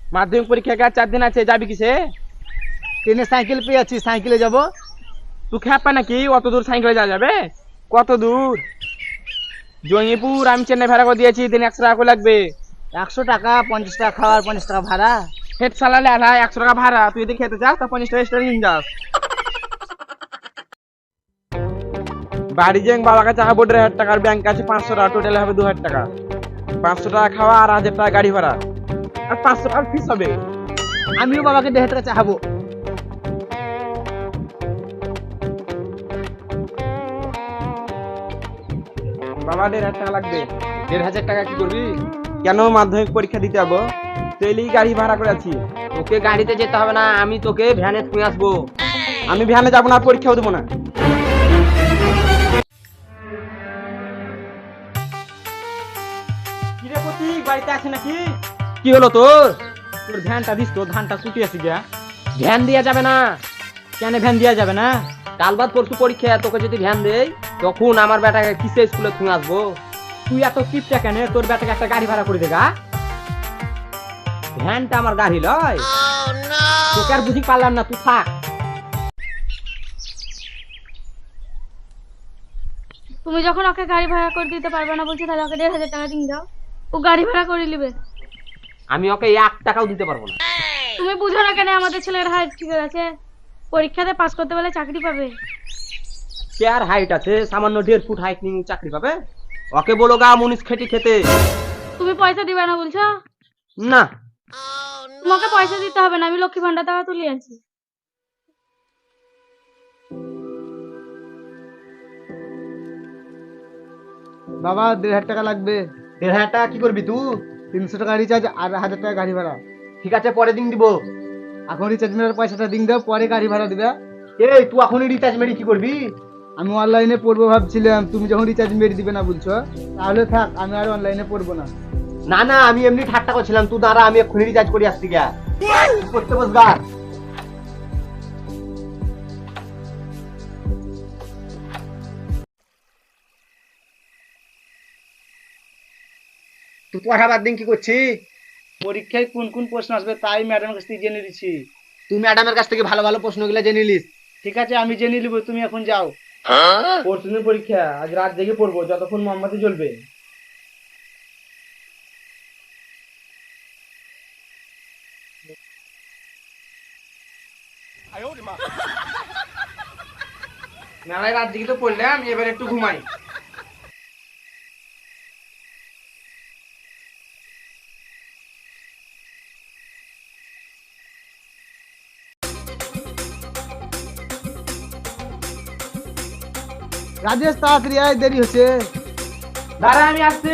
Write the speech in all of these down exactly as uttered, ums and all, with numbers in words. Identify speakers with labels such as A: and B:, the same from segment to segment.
A: মাধ্যমিক পরীক্ষা আর চার দিন আছে, যাবি কিসে?
B: ট্রেনে সাইকেল পেয়ে আছি, সাইকেলে যাব।
A: তুই খেপা নাকি অত দূর সাইকেলে যাওয়া যাবে? কত দূর? জঙ্গিপুর আমি চেন্নাই ভাড়া করে দিয়েছি, দিন একশো টাকা করে লাগবে।
B: একশো টাকা, পঞ্চাশ টাকা খাওয়ার, পঞ্চাশ টাকা ভাড়া।
A: হেড চালালে আধা একশো টাকা ভাড়া, তুই যদি খেতে চাস তা পঞ্চাশ টাকা এক্সট্রা নিয়ে যাস। বাড়ি যে বাবার কাছে আবার দেড় হাজার টাকার ব্যাংক আছে পাঁচশো টাকা, টোটাল হবে দু হাজার টাকা। পাঁচশো টাকা খাওয়া আর হাজার টাকা গাড়ি ভাড়া আর পাঁচশো টাকার ফিস হবে।
B: আমিও বাবাকে দেড় টাকা চাহাবো।
A: বাবা দেড় হাজার টাকা লাগবে।
B: দেড় হাজার টাকা কি করবি?
A: কেন, মাধ্যমিক পরীক্ষা দিতে যাবো, তেলি গাড়ি ভাড়া করে আছি।
B: তোকে গাড়িতে যেতে হবে না, আমি তোকে ভ্যানে ছুঁয়ে আসবো।
A: আমি ভ্যানে যাবো না, পরীক্ষাও দেবো না। কিরে প্রতীক, বাড়িতে আছে নাকি?
B: কি হলো তোর?
A: তোর ভ্যানটা দিস তো, ধানটা কুটি আছে গিয়া।
B: ভ্যান দেওয়া যাবে না।
A: কেন ভ্যান দেওয়া যাবে না?
B: কাল বাদ পরশু পরীক্ষা, তোকে যদি ভ্যান দেই তখন আমার বেটাকে কিসে স্কুলে ছুঁয়ে আসবো?
A: তুই এত টিপটা কেন? তোর বেটাকে একটা গাড়ি ভাড়া করে দেগা।
B: ভ্যানটা আমার গাড়ি লয়।
A: তোকে আর বুঝি পারলাম না, তুই থাক।
C: তুমি যখন ওকে গাড়ি ভাড়া করে দিতে পারবে না বলছি, তাহলে ওকে দেড় হাজার টাকা দিয়ে দাও, ও গাড়ি ভাড়া করে নিবে।
B: আমি ওকে এক টাকাও দিতে পারবো না।
C: তুমি বুঝো না কেন? আমাদের ছেলের হাইট ঠিক আছে, পরীক্ষাতে পাস করতে পারলে চাকরি পাবে।
B: কে আর হাইট আছে? সামান্য দেড় ফুট হাইট নিয়ে চাকরি পাবে? ওকে বলো গা মুনিশ খেটি খেতে।
C: তুমি পয়সা দিবে না বলছো?
B: না,
C: তোমাকে পয়সা দিতে হবে না, আমি লক্ষ্মী ভান্ডার টাকা তুলে আনছি।
D: বাবা দেড় হাজার টাকা লাগবে।
B: দেড় হাজার টাকা কি করবি তুই?
D: তিনশো টাকা রিচার্জ আর হাজার টাকা গাড়ি ভাড়া।
B: ঠিক আছে, পরে দিন দিব।
D: এখন রিচার্জ মেরার পয়সাটা দিন দাও, পরে গাড়ি ভাড়া দিবে।
B: এই তুই এখনই রিচার্জ মেরে কি করবি?
D: আমি অনলাইনে পড়বো ভাবছিলাম, তুমি যখন রিচার্জ মেরে দিবে না বলছো, তাহলে থাক, আমি আর অনলাইনে পড়বো না।
B: না না, আমি এমনি ঠাট্টা করছিলাম। তুই দাঁড়া, আমি এক্ষুনি রিচার্জ করে আসছি গা। করতে বস গা। তুই পড়া বাদ দিন কি করছিস?
D: পরীক্ষায় কোন কোন প্রশ্ন আসবে তাই ম্যাডামের কাছ থেকে জেনে নিচ্ছি।
B: তুই ম্যাডামের কাছ থেকে ভালো ভালো প্রশ্নগুলো জেনে নিস।
D: ঠিক আছে, আমি জেনে নিব, তুমি এখন যাও।
A: পরশুদিন পরীক্ষা, আজ রাত জেগে পড়বো যতক্ষণ মোমবাতি জ্বলবে। মেলায় রাত জেগে তো পড়লাম, এবার একটু ঘুমাই।
D: রাজেশ তাড়াতাড়ি আয়, দেরি হচ্ছে।
A: দাঁড়া আমি আসছি।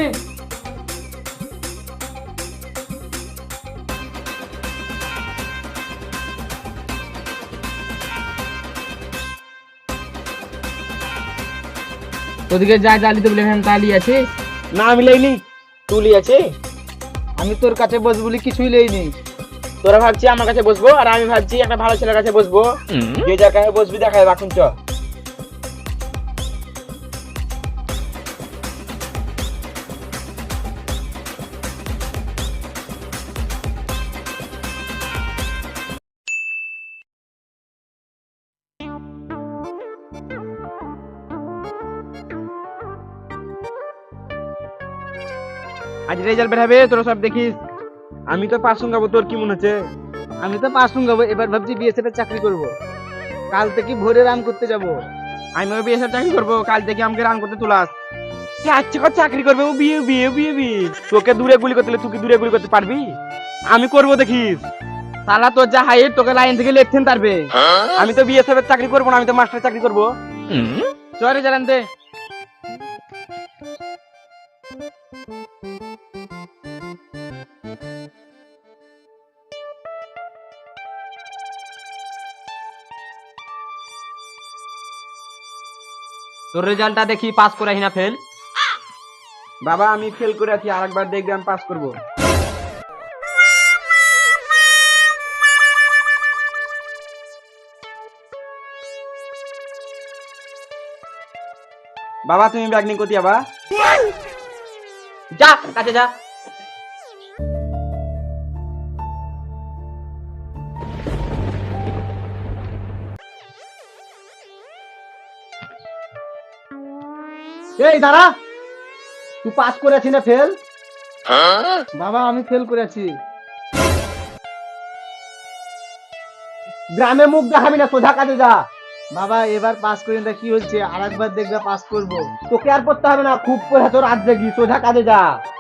A: তোদিকে যা জালিতে বলে ভ্যান তালি আছে না, আমি লেইনি, তুলি আছে।
D: আমি তোর কাছে বসবো বলে কিছুই লেইনি।
A: তোরা ভাবছি আমার কাছে বসবো, আর আমি ভাবছি একটা ভালো ছেলের কাছে বসবো। যে জায়গায় বসবি দেখা যাবে, এখন চ। আজ রেজাল্ট বের হবে, তোরা সব দেখিস। আমি তো পাস গাবো, তোর কি মনে হচ্ছে?
D: আমি তো পাস গাবো, এবার ভাবছি বিএসএফ এর চাকরি করব। কাল থেকে ভোরে রান করতে যাব।
A: আমিও বিএসএফ চাকরি করবো, কাল থেকে আমাকে রান করতে তুলাস। আচ্ছা কর চাকরি করবে, ও বিয়ে বিয়ে বিয়ে বিয়ে তোকে দূরে গুলি করতে, তুই কি দূরে গুলি করতে পারবি? আমি করবো দেখিস। সালা তোর যা হাইট, তোকে লাইন থেকে লেখতেন পারবে। আমি তো বিএসএফ এর চাকরি করবো না, আমি তো মাস্টার চাকরি করবো। চলে জানান দে।
B: তোর রেজাল্টটা দেখি, পাস করে না ফেল।
A: বাবা আমি ফেল করে আছি, আরেকবার দেখবে আমি পাস করবো। বাবা তুমি ব্যাগ নিয়ে কোথায় যাবা?
B: যা কাছে যা। এই দাঁড়া, তুই পাস করেছি না ফেল?
D: বাবা আমি ফেল করেছি।
B: গ্রামে মুখ দেখাবি না, সোজা কাজে যা।
D: বাবা এবার পাস করি না কি হচ্ছে, আর একবার দেখবে পাস করবো।
B: তোকে আর পড়তে হবে না, খুব পড়ে তোর রাত জাগি, সোজা কাজে যা।